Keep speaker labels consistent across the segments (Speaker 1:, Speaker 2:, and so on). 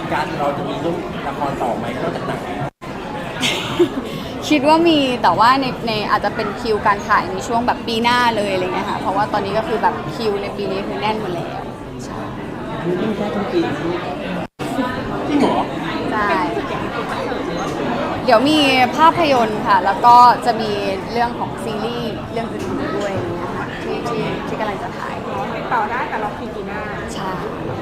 Speaker 1: การเราจะมีเรื่องละครต่อไหมนอกจากหนัง
Speaker 2: คิดว่ามีแต่ว่าในอาจจะเป็นคิวการถ่ายในช่วงแบบปีหน้าเลยอะไรเงี้ยค่ะเพราะว่าตอนนี้ก็คือแบบคิวในปีนี้คือแน่นหมดแล้วใช่
Speaker 1: อันนี้ยิ่งแค่ต้นปีจริงเหรอ
Speaker 2: ใช่เดี๋ยวมีภาพยนตร์ค่ะแล้วก็จะมีเรื่องของซีรีส์เรื่องอื่นๆด้วยอะไรเงี้ยค่ะที่กำลังจะถ่าย
Speaker 3: ติดต่อได้แต่เราคิวปีหน้า
Speaker 2: ใช่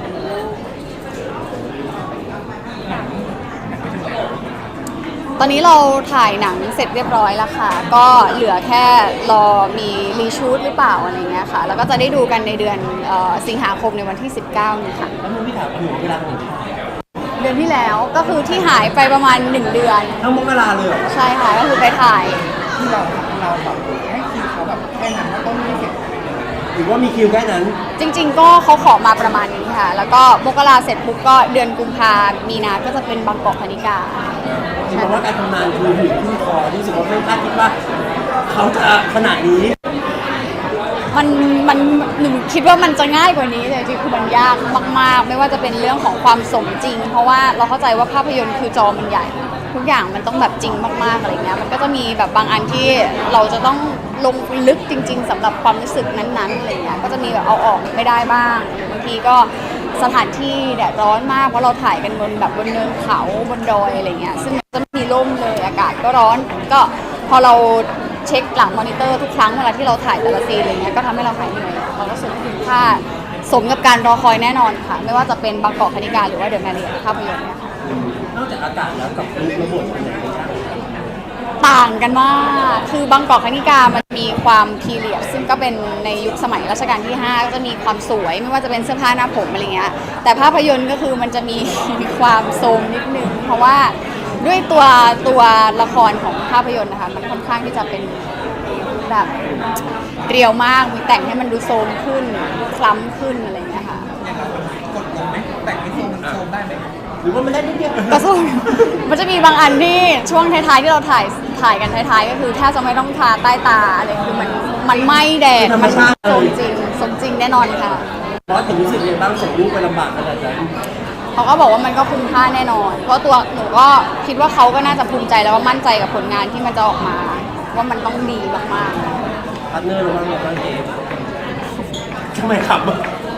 Speaker 2: ตอนนี้เราถ่ายหนังเสร็จเรียบร้อยแล้วค่ะก็เหลือแค่รอมีรีชูตหรือเปล่าอะไรเงี้ยค่ะแล้วก็จะได้ดูกันในเดือนสิงหาคมในวันที่ 19นี้ค่ะ
Speaker 1: แล้วมึงพี่ถามอยู่เวลาของถ่าย
Speaker 2: เดือนที่แล้วก็คือที่หายไปประมาณ1 เดือน
Speaker 1: ทั้งมกราเลยเหรอ
Speaker 2: ใช่ค่ะก็คือไปถ่าย
Speaker 3: ที่เราแบบให้คิวเขาแบบแค่นั้นว่าต้องไม่เสร็จ
Speaker 1: หรือว่ามีคิวแค่นั้น
Speaker 2: จริงๆก็เขาขอมาประมาณนี้ค่ะ แล้วก็มกราเสร็จปุ๊บก็เดือนกุมภามีนาก็จะเป็นบางกอกคณิกา
Speaker 1: คือบอกว่าการทำงานคือหินขึ้นคอที่รู้สึกว่าไม่คาดคิดว่าเขาจะขนาดนี้
Speaker 2: มันหนูคิดว่ามันจะง่ายกว่านี้แต่จริงๆคือมันยากมากๆไม่ว่าจะเป็นเรื่องของความสมจริง เพราะว่าเราเข้าใจว่าภาพยนตร์คือจอมันใหญ่ ทุกอย่างมันต้องแบบจริงมากๆอะไรเงี้ยมันก็จะมีแบบบางอันที่เราจะต้องลงลึกจริง ๆสำหรับความรู้สึกนั้นๆอะไรเงี้ยก็จะมีแบบเอาออกไม่ได้บ้างหรือบางทีก็สถานที่แดดร้อนมากเพราะเราถ่ายกันบนแบบบนเนินเขาบนดอยอะไรเงี้ยซึ่งจะไม่มีร่มเลยอากาศก็ร้อนก็พอเราเช็คหลังมอนิเตอร์ทุกครั้งเวลาที่เราถ่ายแต่ละซีนอะไรเงี้ยก็ทำให้เราหายเหนื่อยเราก็รู้สึกคุ้มค่าสมกับการรอคอยแน่นอนค่ะไม่ว่าจะเป็นบางกอกคณิกาหรือว่าเดอะแมรี่ภาพยนตร์เนี่ยค่ะ
Speaker 1: นอกจากอากาศแล้วกับรูประบบเป็นยังไงบ้าง
Speaker 2: ต่างกันมาก คือบางกอกคณิกามันมีความพีเรียดซึ่งก็เป็นในยุคสมัยรัชกาลที่5ก็จะมีความสวยไม่ว่าจะเป็นเสื้อผ้าหน้าผมอะไรเงี้ย แต่ภาพยนตร์ก็คือมันจะมี ความโทรมนิดนึง เพราะว่าด้วยตัวละครของภาพยนตร์นะคะมันค่อนข้างที่จะเป็นแบบเรียวมาก มีแต่งให้มันดูโทรมขึ้นคล้ำขึ้นอะไรเงี้ยค่ะ
Speaker 3: กดลงไหมแต่งให้โซมได้ไหม
Speaker 1: หรือว่ามันได้นิดเดียว
Speaker 2: ก็ส่งมันจะมีบางอันที่ช่วงท้ายๆที่เราถ่ายกันท้ายๆก็คือแทบจะไม่ต้องทาใต้ตาอะไรคือมันไหม้แดดมันสมจริงแน่นอนค่ะ
Speaker 1: เพราะถึงรู้สึกยังบ้างส่งรูปไปลำบากขนาดนั้น
Speaker 2: เขาก็บอกว่ามันก็คุ้มค่าแน่นอน เพราะตัวหนูก็คิดว่าเขาก็น่าจะภูมิใจแล้วว่ามั่นใจกับผลงานที่มันจะออกมา ว่ามันต้องดีมากๆ
Speaker 1: พาร์ทเนอร์เราบ้างเนี่ยบ้างเองทำไมขับอ่ะ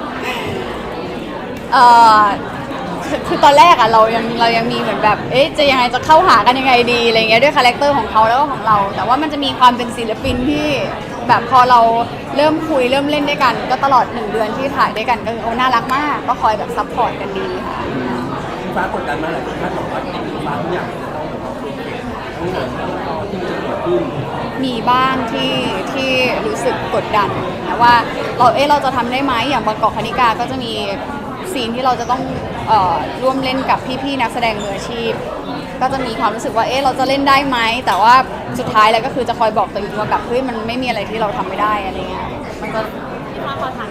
Speaker 2: เอ่อคือตอนแรกอะเรายังมีเหมือนแบบจะยังไงจะเข้าหากันยังไงดีอะไรเงี้ยด้วยคาแรคเตอร์ของเขาแล้วก็ของเรา แต่ว่ามันจะมีความเป็นศิลปินที่แบบพอเราเริ่มคุยเริ่มเล่นด้วยกัน ก็ตลอด1 เดือนที่ถ่ายด้วยกันก็คือน่ารักมากก็คอยแบบซัพพอร์ตกันดีค่ะ
Speaker 1: พี่ฟ้ากดดันมาหลายคนคาดหวังว่าพี่ฟ้าทุกอย่างจะต้องแบบว่าทั้งหมดที่มันจะเกิดขึ้น
Speaker 2: มีบ้างที่รู้สึกกดดันนะว่าเราจะทำได้ไหมอย่างบางกอกคณิกาก็จะมีซีนที่เราจะต้องร่วมเล่นกับพี่ๆนักแสดงมืออาชีพก็จะมีความรู้สึกว่าเราจะเล่นได้ไหมแต่ว่าสุดท้ายแล้วก็คือจะคอยบอกตัวเองว่าแบบเฮ้ยมันไม่มีอะไรที่เราทำไม่ได้อะไรเงี้ยมันจะ